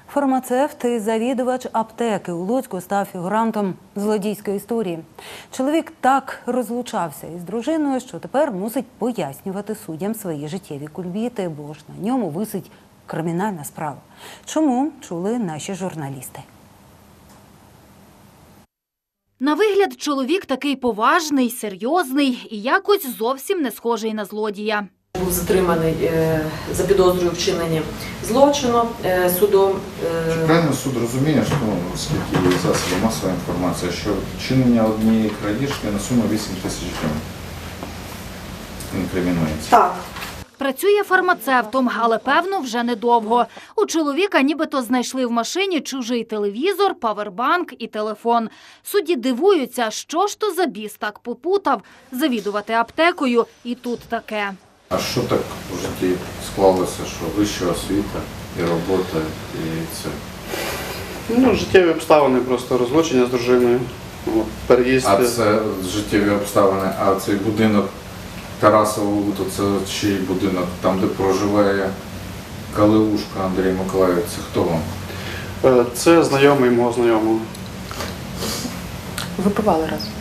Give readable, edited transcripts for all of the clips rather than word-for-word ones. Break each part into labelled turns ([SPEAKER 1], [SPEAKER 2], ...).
[SPEAKER 1] Фармацевт і завідувач аптеки у Луцьку став фігурантом злодійської історії. Чоловік так розлучався із дружиною, що тепер мусить пояснювати суддям свої життєві кульбіти, бо ж на ньому висить кримінальна справа. Чому, чули наші журналісти.
[SPEAKER 2] На вигляд чоловік такий поважний, серйозний і якось зовсім не схожий на злодія.
[SPEAKER 3] Був затриманий за підозрою вчинення злочину судом.
[SPEAKER 4] Чи правильно суд розуміє, що, оскільки є засоби масової інформації, що вчинення однієї крадіжки на суму 8 тисяч гривень інкримінується?
[SPEAKER 3] Так.
[SPEAKER 2] Працює фармацевтом, але, певно, вже недовго. У чоловіка нібито знайшли в машині чужий телевізор, павербанк і телефон. Судді дивуються, що ж то за біс так попутав завідувати аптекою і тут таке.
[SPEAKER 4] А що так в житті склалося, що вища освіта і робота, і це?
[SPEAKER 5] Життєві обставини, просто розлучення з дружиною, переїзд.
[SPEAKER 4] А це життєві обставини, а цей будинок Тарасову, то це чий будинок, там де проживає Калиушка Андрій Миколаївич, це хто вам?
[SPEAKER 5] Це знайомий мого знайомого.
[SPEAKER 3] Випивали разом.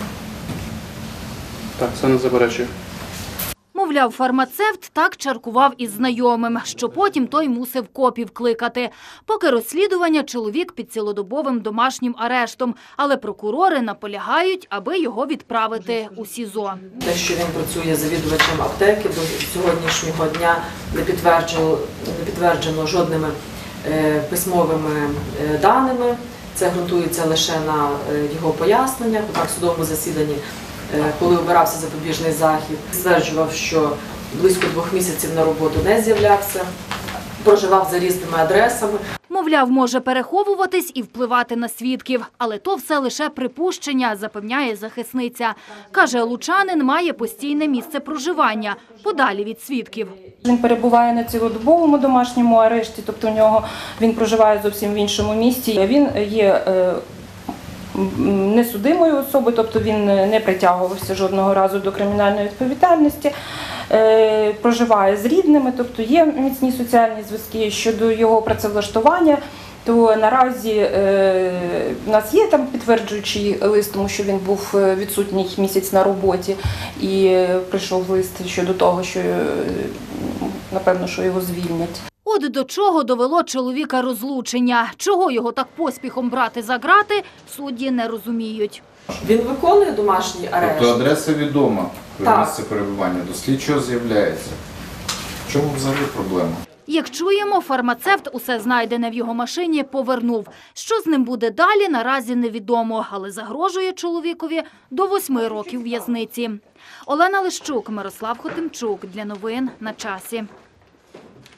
[SPEAKER 5] Так, це не заперечую.
[SPEAKER 2] Мовляв, фармацевт так чаркував із знайомим, що потім той мусив копів кликати. Поки розслідування, чоловік під цілодобовим домашнім арештом, але прокурори наполягають, аби його відправити у СІЗО.
[SPEAKER 3] Те, що він працює завідувачем аптеки, до сьогоднішнього дня не підтверджено жодними письмовими даними. Це ґрунтується лише на його поясненнях. Так, в судовому засіданні, коли обирався запобіжний захід, стверджував, що близько 2 місяців на роботу не з'являвся, проживав за різними адресами.
[SPEAKER 2] Мовляв, може переховуватись і впливати на свідків, але то все лише припущення, запевняє захисниця. Каже, лучанин має постійне місце проживання, подалі від свідків.
[SPEAKER 6] Він перебуває на цілодобовому домашньому арешті, тобто він проживає зовсім в іншому місті. Він є несудимою особою, тобто він не притягувався жодного разу до кримінальної відповідальності, проживає з рідними, тобто є міцні соціальні зв'язки. Щодо його працевлаштування, то наразі в нас є там підтверджуючий лист, тому що він був відсутній місяць на роботі, і прийшов лист щодо того, що, напевно, що його звільнять.
[SPEAKER 2] От до чого довело чоловіка розлучення. Чого його так поспіхом брати за ґрати, судді не розуміють.
[SPEAKER 3] Він виконує домашній арешт.
[SPEAKER 4] Тобто адреса відома,
[SPEAKER 3] Так.
[SPEAKER 4] місце перебування, до слідчого з'являється. В чому взагалі проблема?
[SPEAKER 2] Як чуємо, фармацевт усе знайдене в його машині повернув. Що з ним буде далі, наразі невідомо, але загрожує чоловікові до 8 років в'язниці. Олена Лищук, Мирослав Хотимчук. Для новин на часі.